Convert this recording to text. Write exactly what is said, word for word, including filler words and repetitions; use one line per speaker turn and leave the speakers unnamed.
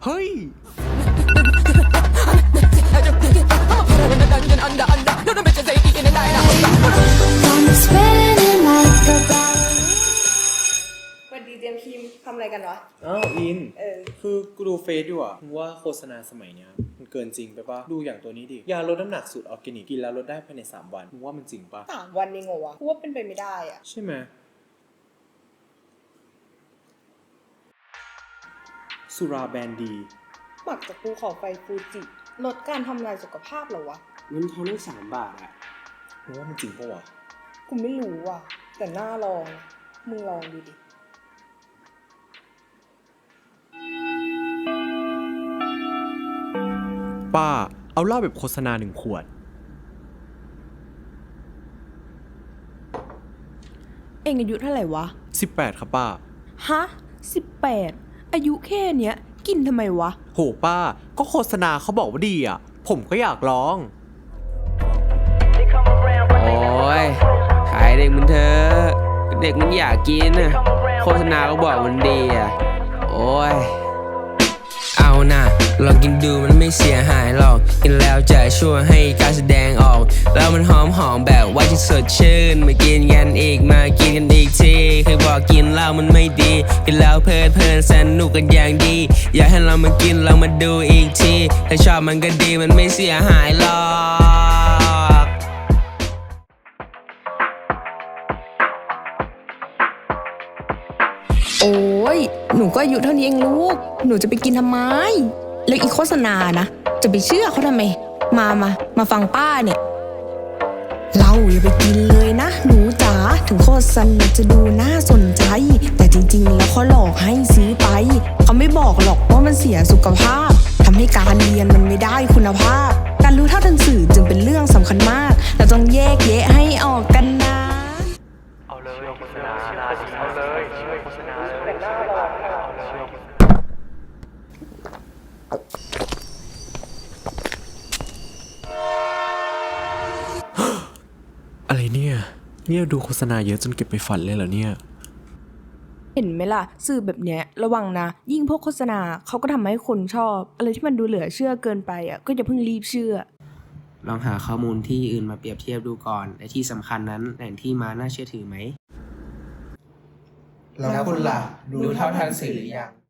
เฮ้ย
สวัสดีเจมส์คิมทำอะไรกันวะ
อ้าวอิน
เออ
คือกูดูเฟซอยู่อะว่าโฆษณาสมัยเนี้ยมันเกินจริงไปปะดูอย่างตัวนี้ดิยาลดน้ำหนักสูตรออร์แกนิกกินแล้วลดได้ภายในสามวันมึงว่ามันจริงปะ
สามวันเองเหรอวะกูว่าเป็นไปไม่ได้อะ
ใช่ไหมสุราแบรนด์ดี
หมักจากภูเขาไฟฟูจิลดการทำลายสุขภาพเหรอวะ
เงินทอนได้สามบาทอะ
มึงว่ามันจริงปะวะ
กูไม่รู้ว่ะแต่น่าลองนะมึงลองดูดิ
ป้าเอาเหล้าแบบโฆษณาหนึ่งขวด
เองอายุเท่าไหร่วะ
สิบแปดครับป้า
ฮะสิบแปดอายุแค่เนี้ยกินทำไมวะ
โหป้าก็โฆษณาเขาบอกว่าดีอ่ะผมก็อยากลอง
โอ้ยขายเด็กมันเถอะเด็กมันอยากกินนะโฆษณาก็บอกมันดีอะโอ้ยเอานะลองกินดูมันไม่เสียหายหรอกกินแล้วจะช่วยให้การแสดงออกแล้วมันหอมหอมแบบว่าจะสดชื่นมากินกันอีกมากินกันอีกทีเคยบอกกินเหล้ามันไม่ดีกินแล้วเพลิดเพลินสนุกกันอย่างดีอยากให้เรามากินเรามาดูอีกทีถ้าชอบมันก็ดีมันไม่เสียหายหรอก
โอ้ยหนูก็อายุเท่านี้เองลูกหนูจะไปกินทำไมแล้วอีโฆษณานะจะไปเชื่อเขาทำไมมามามาฟังป้าเนี่ยเราอย่าไปกินเลยนะหนูจ๋าถึงโฆษณาจะดูน่าสนใจแต่จริงๆแล้วเขาหลอกให้ซื้อไปเขาไม่บอกหรอกว่ามันเสียสุขภาพทำให้การเรียนมันไม่ได้คุณภาพการรู้เท่าทันสื่อจึงเป็นเรื่องสำคัญมากเราต้องแยกแยะให้ออกกันนะ
เอาเลยโฆษณาเอาเลยโฆษณาเลยแต่หน้าลองเอาเลย
อะไรเนี่ยเนี่ยดูโฆษณาเยอะจนเก็บไปฝันเลยเหรอเนี่ย
เห็นไหมล่ะสื่อแบบเนี้ยระวังนะยิ่งพวกโฆษณาเขาก็ทำให้คนชอบอะไรที่มันดูเหลือเชื่อเกินไปอ่ะก็อย่าเพิ่งรีบเชื่อ
ลองหาข้อมูลที่อื่นมาเปรียบเทียบดูก่อนและที่สำคัญนั้นแหล่งที่มาน่าเชื่อถือไหมแล้วคุณล่ะรู้เท่าทันสื่อหรือยัง